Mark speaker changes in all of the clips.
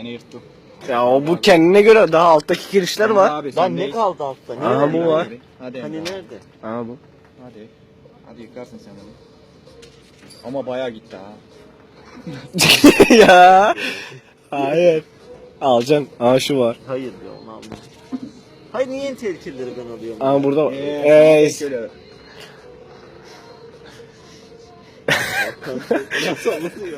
Speaker 1: Seni yırttım.
Speaker 2: Ya o bu kendine göre daha alttaki girişler var.
Speaker 1: Abi,
Speaker 3: Lan ne kaldı altta? Ne
Speaker 2: Aha, bu var.
Speaker 1: Hadi
Speaker 3: Hani
Speaker 1: Emre.
Speaker 3: nerede?
Speaker 2: Ha bu.
Speaker 1: Hadi. Hadi yıkarsın sen bunu. Ama bayağı gitti ha.
Speaker 2: Ya. Hayır. Alacaksın. Aa şu var.
Speaker 3: Hayır be onu alma. Hayır niye en tehlikelileri ben alıyorum?
Speaker 2: Aa burada var.
Speaker 1: Şöyle.
Speaker 3: Nasıl alınıyor?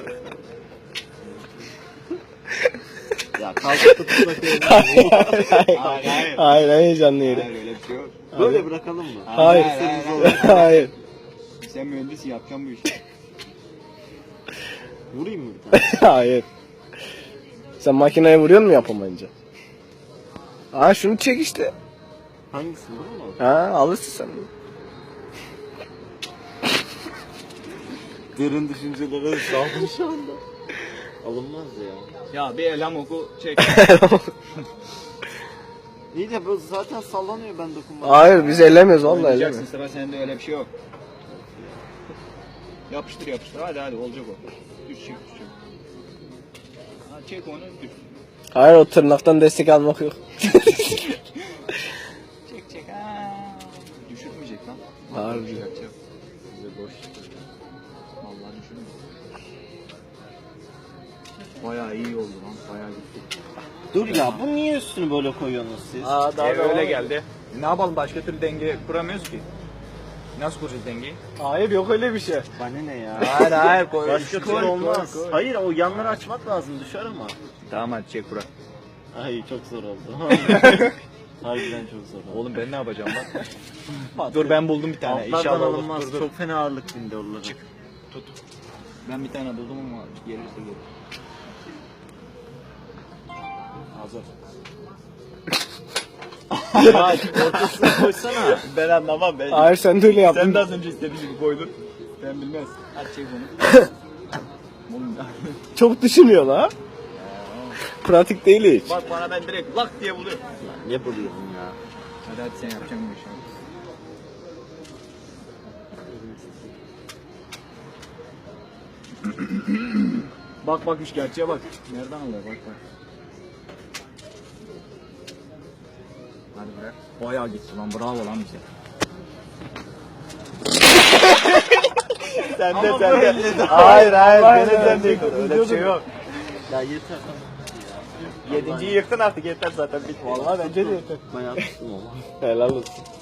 Speaker 3: Ya kalkıp tutmak
Speaker 1: Hayır hayır.
Speaker 2: Hayır heyecanlı yeri.
Speaker 1: Hayır öyle bir şey yok.
Speaker 3: Böyle bırakalım mı?
Speaker 2: Hayır. Hayır.
Speaker 1: Sen mühendisin yapacaksın bu işi.
Speaker 3: Vurayım mı bir tane?
Speaker 2: Hayır. Sen makineye vuruyor mu yapamayınca? Aa şunu çek işte.
Speaker 3: Hangisi bu mu?
Speaker 2: Ha alırsın sen.
Speaker 3: Derin düşüncelere daldım şu anda. Alınmaz ya.
Speaker 1: Ya bir elham oku çek.
Speaker 3: İyi de bu zaten sallanıyor ben dokunmadım.
Speaker 2: Hayır biz ellemiyoruz vallahi
Speaker 1: Oynayacaksın,
Speaker 2: ellemiyoruz.
Speaker 1: sıra sende öyle bir şey yok. Yapıştır yapıştır hadi olacak o. Düş çek. Ha, çek onu düş.
Speaker 2: Hayır o tırnaktan destek almak yok.
Speaker 1: Çek ha. Düşürmeyecek lan.
Speaker 2: Harbi.
Speaker 1: Yapacak. Bize boş. Vallahi düşürmeyecek. Bayağı iyi oldu lan. Bayağı gitti.
Speaker 3: Dur ya bu niye üstünü böyle koyuyorsunuz siz?
Speaker 1: Daha öyle geldi. Ne yapalım başka türlü denge kuramıyoruz ki. Nasıl kuracağız dengeyi?
Speaker 2: Hayır yok öyle bir şey.
Speaker 3: Bana ne ya?
Speaker 1: Hayır koy.
Speaker 3: Başka türlü olmaz. Hayır o yanları açmak lazım düşer ama.
Speaker 1: Tamam hadi çek bura.
Speaker 3: Ay çok zor oldu. Harbiden çok zor oldu.
Speaker 1: Oğlum ben ne yapacağım lan? Dur ben buldum bir tane.
Speaker 3: Altlardan
Speaker 1: İnşallah olur.
Speaker 3: alınmaz.
Speaker 1: Dur.
Speaker 3: Çok fena ağırlık bindi oralara.
Speaker 1: Çık. Tut. Ben bir tane buldum ama gelirse gelir. Hazır.
Speaker 3: Ya ortasına koysana.
Speaker 1: Ben anlamam ben.
Speaker 2: Hayır sen de öyle yaptın.
Speaker 1: Sen de az önce istediğin gibi koydun. Ben bilmez. Hadi çek bunu. Oğlum ya.
Speaker 2: Çok düşünüyor la. Pratik değil hiç.
Speaker 1: Bak bana ben direkt lak diye buluyorum.
Speaker 3: Ne buluyorsun ya?
Speaker 1: Hadi sen yapacaksın bu işi. Bak üç gerçeğe bak. Nereden alıyor bak. Hadi bırak. Bayağı gitti lan bravo lan bize. Sen de. Hayır sen de öyle bir şey yok.
Speaker 3: Ya yeter.
Speaker 1: Yedinciyi yıktın artık yeter zaten.
Speaker 2: Vallahi bence de yeter.
Speaker 3: Bayağı tuttum ama.
Speaker 2: Helal olsun.